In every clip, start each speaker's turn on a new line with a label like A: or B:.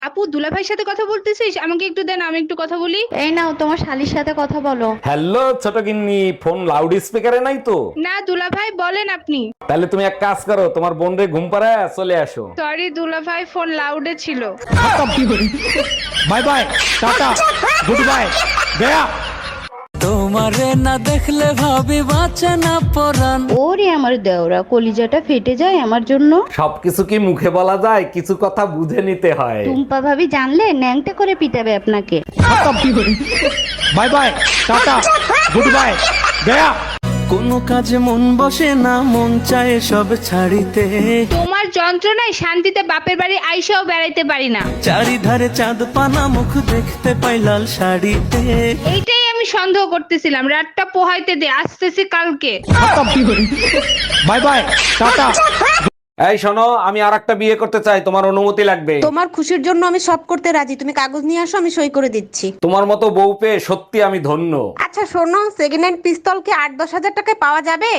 A: আপু, দুলাভাইয়ের সাথে কথা বলতেছিস? আমাকে একটু দেন, আমি একটু কথা বলি।
B: এই নাও তোমার শালির সাথে কথা বলো।
C: হ্যালো ছোট গিন্নি, ফোন লাউড স্পিকারে নাই তো?
A: না দুলাভাই, বলেন আপনি।
C: তাহলে তুমি এক কাজ করো, তোমার বোন রে ঘুম পাড়ায় চলে আসো।
A: সরি দুলাভাই, ফোন লাউডে ছিল।
D: Bye bye, tata, goodbye, গয়া।
E: তোমারে না দেখলে ভাবি বাঁচে না পরাণ।
B: ওরে আমার দেওরা, কলিজাটা ফেটে যায় আমার জন্য।
C: সবকিছু কি মুখে বলা যায়? কিছু কথা বুঝে নিতে হয়।
B: টুম্পা ভাবি জানলে ন্যাংটা করে পিটাবে আপনাকে।
D: Bye bye, tata, goodbye, গয়া।
E: কোনো কাজে মন বসে না, মন চায় সব ছাড়িতে।
A: তোমার যন্ত্রণায় শান্তিতে বাপের বাড়ি আইসাও বেড়াইতে পারি না।
E: চারিধারে চাঁদ পানা, মুখ দেখতে পাই লাল শাড়িতে।
A: এইটাই আমি সন্দেহ করতেছিলাম। রাতটা পোহাইতে দে, আসতেছি কালকে।
D: Bye bye, tata.
C: এই শোনো, আমি আর একটা বিয়ে করতে চাই, তোমার অনুমতি লাগবে।
F: তোমার খুশির জন্য আমি সব করতে রাজি, তুমি কাগজ নিয়ে আসো, আমি সই করে দিচ্ছি।
C: তোমার মতো বউ পেয়ে সত্যি আমি ধন্য।
F: আচ্ছা শোনো, সেকেন্ড হ্যান্ড পিস্তল কি 8-10 হাজার টাকায় পাওয়া যাবে?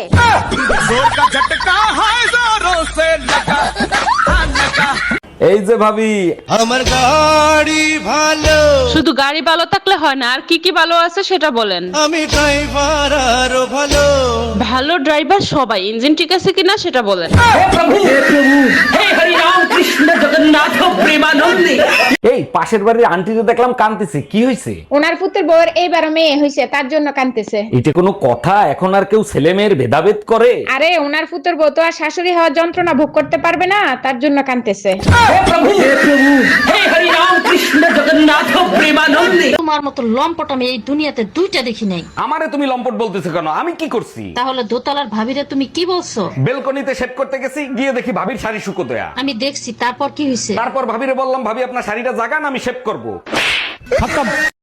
C: এই যে ভাবি,
E: আমার গাড়ি ভালো,
G: শুধু গাড়ি ভালো থাকলে হয় না, আর কি কি ভালো আছে সেটা বলেন।
E: আমি ড্রাইভার আরো ভালো।
G: ভালো ড্রাইভার সবাই, ইঞ্জিন ঠিক আছে কিনা সেটা বলেন।
C: এই পাশের বাড়ির আন্টিকে দেখলাম কান্দিছে, কি হয়েছে?
H: ওনার পুত্রের বউয়ের এইবার মেয়ে হয়েছে, তার জন্য কাঁদতেছে।
C: এটা কোনো কথা? এখন আর কেউ ছেলে মেয়ের ভেদাভেদ করে?
H: আরে ওনার পুত্রের বউ তো আর শাশুড়ি হওয়ার যন্ত্রণা ভোগ করতে পারবে না, তার জন্য কাঁদতেছে।
I: তোমার মতো লম্পট আমি এই দুনিয়াতে দুইটা দেখি নাই।
C: আমারে তুমি লম্পট বলতেছো কেন? আমি কি করছি?
I: তাহলে দোতলার ভাবিরে তুমি কি বলছো?
C: বেলকনিতে সেট করতে গেছি, গিয়ে দেখি ভাবির শাড়ি শুকো দেয়া।
I: আমি দেখছি, তারপর কি হয়েছে?
C: তারপর ভাবিরে বললাম, ভাবি আপনার শাড়িটা জাগান, আমি শেভ করব।